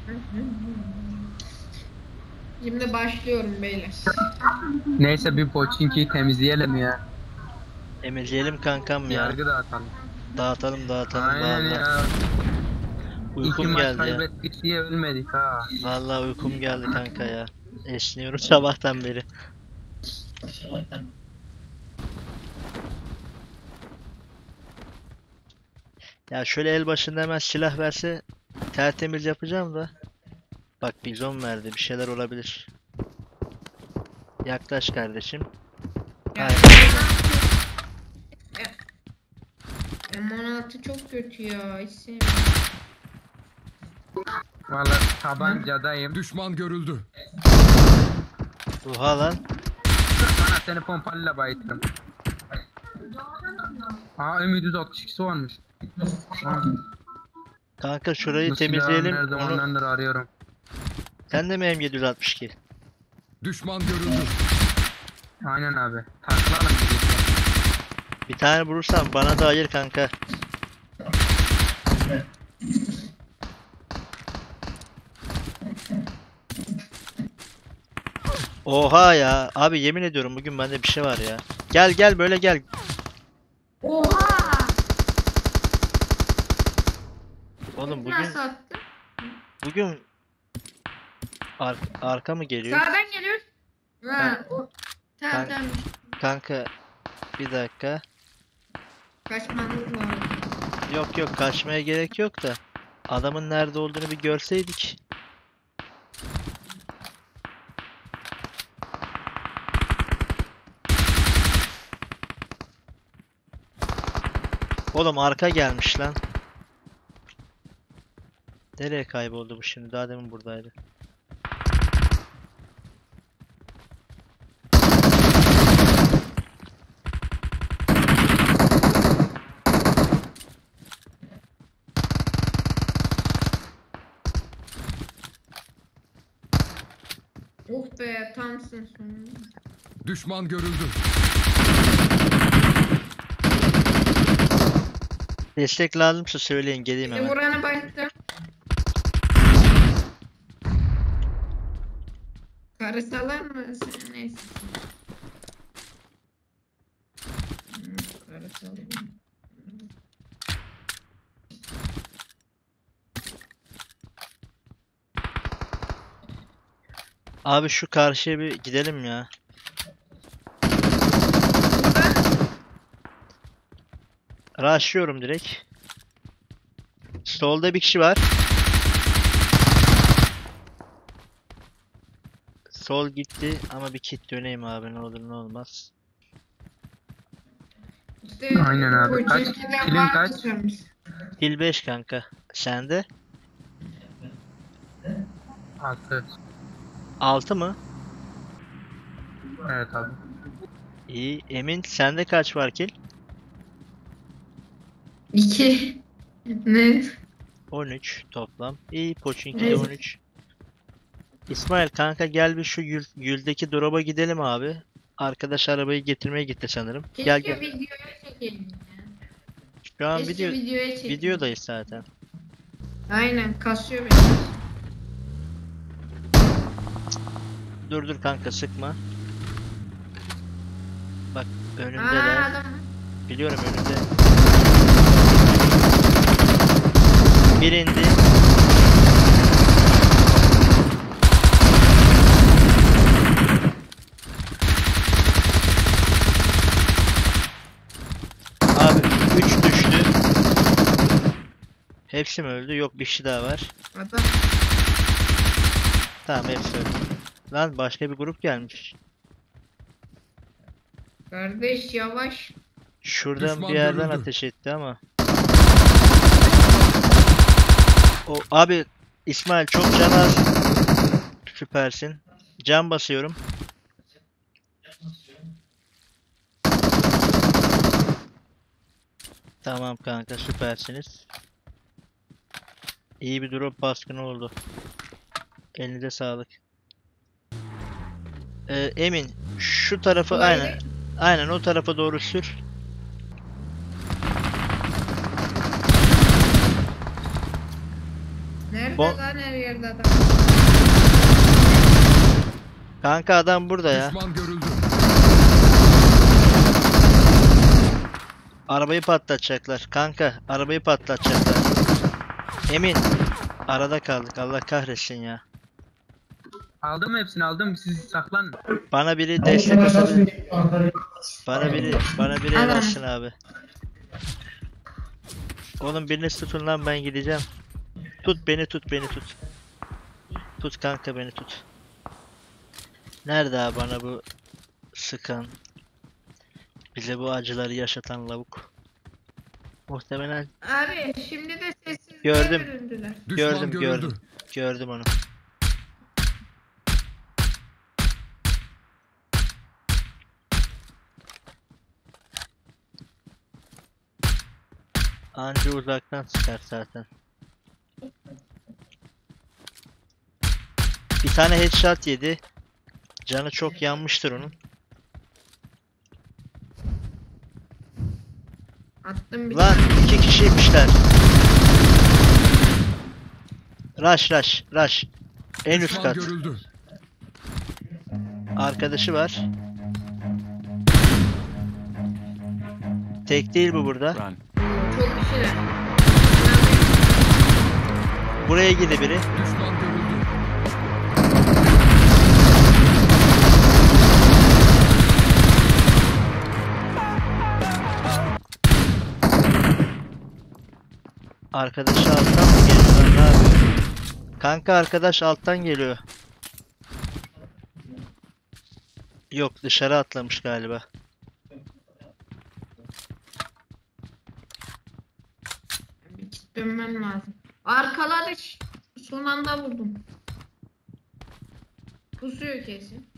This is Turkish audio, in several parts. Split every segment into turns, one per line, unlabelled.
Şimdi başlıyorum beyler.
Neyse bir Pochinki'yi temizleyelim ya.
Temizleyelim kankam ya.
Yargı dağıtalım.
Dağıtalım
Aynen
valla.
ya. İki
Uykum
maç
geldi ya.
kaybettik diye ölmedik ha.
Valla uykum geldi kanka ya. Esniyorum sabahtan beri. Ya şöyle el başında hemen silah verse tertemiz yapacağım da. Bak bizon verdi, bir şeyler olabilir. Yaklaş kardeşim.
Ya,
Aynen.
M16 çok kötü ya. Hiç sevmiyorum.
Valla tabancadayım.
Düşman görüldü.
Oha lan.
Sana seni pompalıyla bayıtırım. Aa M762'si varmış.
Kanka şurayı
Bu silahı
temizleyelim.
her
Onu...
zamanlardır arıyorum.
Sen de mi M762?
Düşman görüldü.
Aynen abi. Takılalım bir.
Bir tane vurursam bana da ayır kanka. Oha ya. Abi yemin ediyorum bugün bende bir şey var ya. Gel gel böyle gel.
Oha!
Oğlum
Nasıl attın?
bugün arka mı geliyor?
Sağdan geliyor. Ha, tamam
Ben-
tamam.
Kanka bir dakika.
Kaçmanız lazım.
Yok yok kaçmaya gerek yok da. Adamın nerede olduğunu bir görseydik. Oğlum arka gelmiş lan. Nereye kayboldu bu şimdi? Daha demin buradaydı.
Oh be tamsın sonunda.
Düşman görüldü.
Destek lazımsa söyleyin geleyim
Bir
hemen.
vuranı bayılttım. Karısalar mı? Neyse. Karısalar.
Abi şu karşıya bir gidelim ya. Rushlıyorum direkt. Solda bir kişi var. Sol gitti ama bir kit döneyim abi ne olur ne olmaz.
İşte
Aynen abi. Kaç?
Kocaeli'den
Kilin
var
kaç?
tutarmış.
Kill 5 kanka. Sende?
6.
6 mı?
Evet abi.
İyi. Emin sende kaç var kill?
2. Ne?
13 toplam. İyi. Pochinki'de
Evet.
13. İsmail kanka gel bir şu Gül'deki drop'a gidelim abi. Arkadaş arabayı getirmeye gitti sanırım. Gel
Keşke
gel.
videoya çekelim ya.
Şu an
Keşke videoya çekelim.
videodayız zaten.
Aynen kasıyor beni.
Dur dur kanka sıkma. Bak
Aa
önümdeler.
adam.
Biliyorum önümde. Bir indi. Abi 3 düştü. Hepsi mi öldü? Yok bir kişi daha var.
Adam.
Tamam hepsi öldü. Lan başka bir grup gelmiş.
Kardeş yavaş.
Şuradan
Düşman
bir yerden
görüldü.
ateş etti ama. O abi İsmail çok can az. Süpersin. Can basıyorum. Tamam kanka süpersiniz. İyi bir drop baskını oldu. Elinize sağlık. Emin şu tarafı
Kolay
aynen. Aynen o tarafa doğru sür.
Nerede
Bo-
lan her yerde adam?
Kanka adam burada ya.
Düşman görüldü.
Arabayı patlatacaklar. Kanka arabayı patlatacaklar. Emin. Arada kaldık. Allah kahretsin ya.
Aldım hepsini aldım. Siz saklanın.
Bana biri destek atabilir. Bana biri el
Adam.
atsın abi. Oğlum biriniz tutun lan, ben gideceğim. Tut beni, tut beni, tut. Tut kanka, beni tut. Nerede abi bana bu sıkan, bize bu acıları yaşatan lavuk? Muhtemelen
Abi şimdi de sessizliğe
Gördüm.
büründüler.
Düşman
gördüm
görüldü.
gördüm. Gördüm onu. Anca uzaktan çıkar zaten. Bir tane headshot yedi. Canı çok yanmıştır onun.
Attım bir
Lan
tane.
2 kişiymişler. Rush. En üst
Düşman
kat.
görüldü.
Arkadaşı var. Tek değil bu burada.
Run.
Çok kişiler.
Buraya gidi biri.
Düşman görüldü.
Arkadaşı alttan mı geliyor lan, ne yapıyor? Kanka arkadaş alttan geliyor. Yok, dışarı atlamış galiba.
Bir git dönmem lazım. Arkaladı. Son anda vurdum. Pusuyor kesin.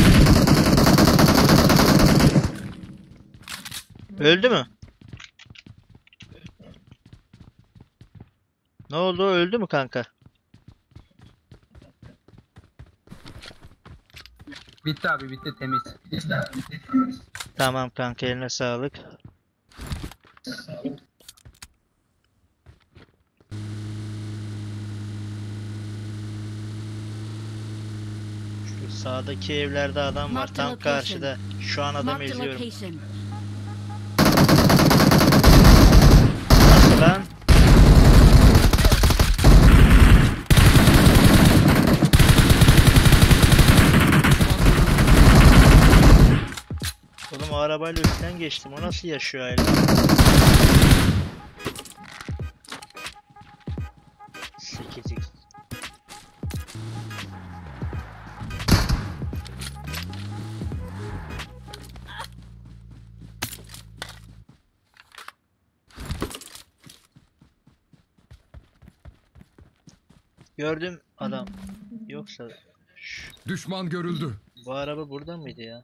Öldü mü? Ne oldu? Öldü mü kanka?
Bitti abi bitti temiz.
Tamam kanka, eline sağlık. Şu sağdaki evlerde adam var,
Marked
tam
location.
karşıda. Şu an adam
Marked a
izliyorum.
location.
Nasıl lan? Oğlum o arabayla üstten geçtim. O nasıl yaşıyor hala? Sekiz. Gördüm adam. Yoksa
Düşman görüldü.
bu araba burada mıydı ya?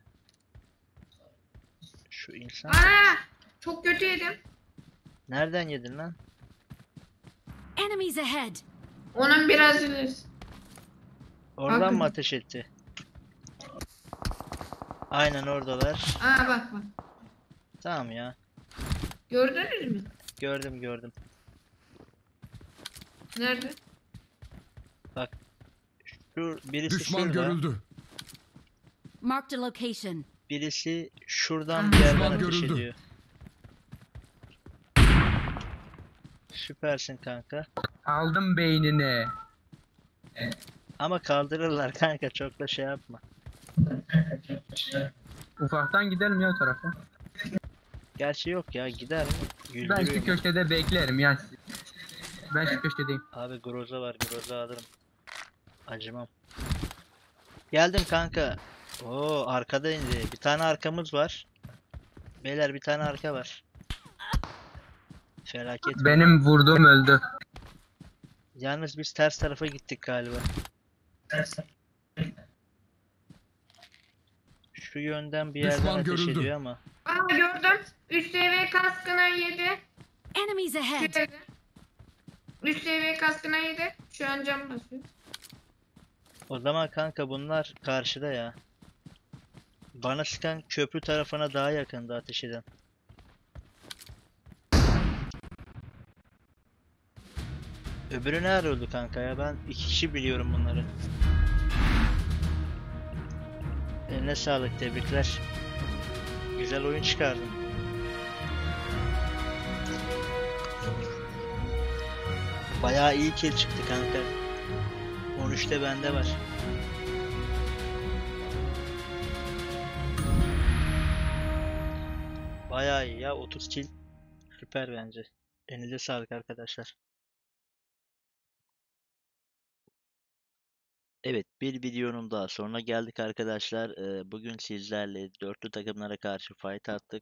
Şu insan
Aa! Çok kötü yedim.
nereden yedin lan?
Enemies ahead.
Onun biraz ilerisi.
Oradan
Bakın.
mı ateş etti? Aynen oradalar.
Aa bak.
Tamam ya.
Gördünüz mü?
Gördüm.
Nerede?
Şu birisi
Düşman
şurada.
görüldü.
Marked a location.
Birisi şuradan
Ah.
bir yerden
Düşman
ateş
görüldü.
ediyor. Süpersin kanka.
Aldım beynini.
Ama kaldırırlar kanka, çok da şey yapma.
Ufaktan gidelim ya o tarafa.
Gerçi yok ya, gider mi?
Ben
Güldürüyor.
şu köşede beklerim ya. Ben şu köşedeyim.
Abi groza var, groza alırım. Acımam. Geldim kanka. Oo, arkada indi. Bir tane arkamız var. Beyler bir tane arka var. Felaket.
Benim vurduğum öldü.
Yalnız biz ters tarafa gittik galiba. Şu yönden bir yerden
Düşman
ateş
görüldü.
ediyor ama.
Aa gördüm. Üst seviye kaskına yedi.
Enemies ahead.
Şöyle. Üst seviye kaskına yedi. Şu an cam basıyor.
O zaman kanka bunlar karşıda ya. Bana sıkan köprü tarafına daha yakında ateş eden. Öbürü ne arıyordu kanka ya? Ben iki kişi biliyorum bunları. Eline sağlık, tebrikler. Güzel oyun çıkardın. Bayağı iyi kill çıktı kanka. 13'te bende var. Bayağı iyi ya, 30 kill. Süper bence. Elinize sağlık arkadaşlar. Evet, bir videonun daha sonuna geldik arkadaşlar. Bugün sizlerle dörtlü takımlara karşı fight attık.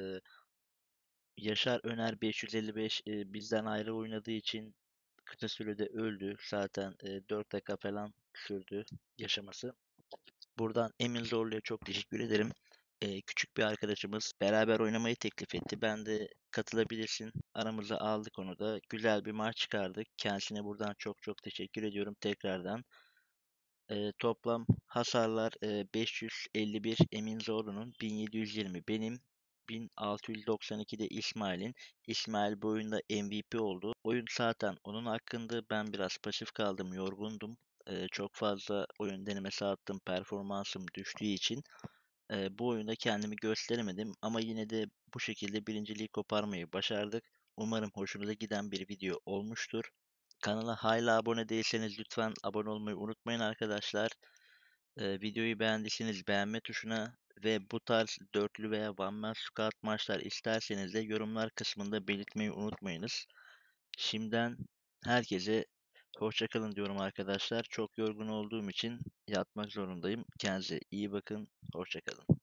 Yaşar Öner 555 bizden ayrı oynadığı için kısa sürede öldü. Zaten 4 dakika falan sürdü yaşaması. Buradan Emin Zorlu'ya çok teşekkür ederim. Küçük bir arkadaşımız beraber oynamayı teklif etti. Ben de katılabilirsin. Aramıza aldık onu da. Güzel bir maç çıkardık. Kendisine buradan çok çok teşekkür ediyorum tekrardan. Toplam hasarlar 551 Emin Zorlu'nun, 1720 benim, 1692 de İsmail'in. İsmail bu oyunda MVP oldu. Oyun zaten onun hakkında, ben biraz pasif kaldım, yorgundum. Çok fazla oyun denemesi attım, performansım düştüğü için. Bu oyunda kendimi gösteremedim ama yine de bu şekilde birinciliği koparmayı başardık. Umarım hoşunuza giden bir video olmuştur. Kanala hala abone değilseniz lütfen abone olmayı unutmayın arkadaşlar. Videoyu beğendiyseniz beğenme tuşuna ve bu tarz dörtlü veya one man squad maçlar isterseniz de yorumlar kısmında belirtmeyi unutmayınız. Şimdiden herkese hoşça kalın diyorum arkadaşlar. Çok yorgun olduğum için yatmak zorundayım. Kendinize iyi bakın. Hoşça kalın.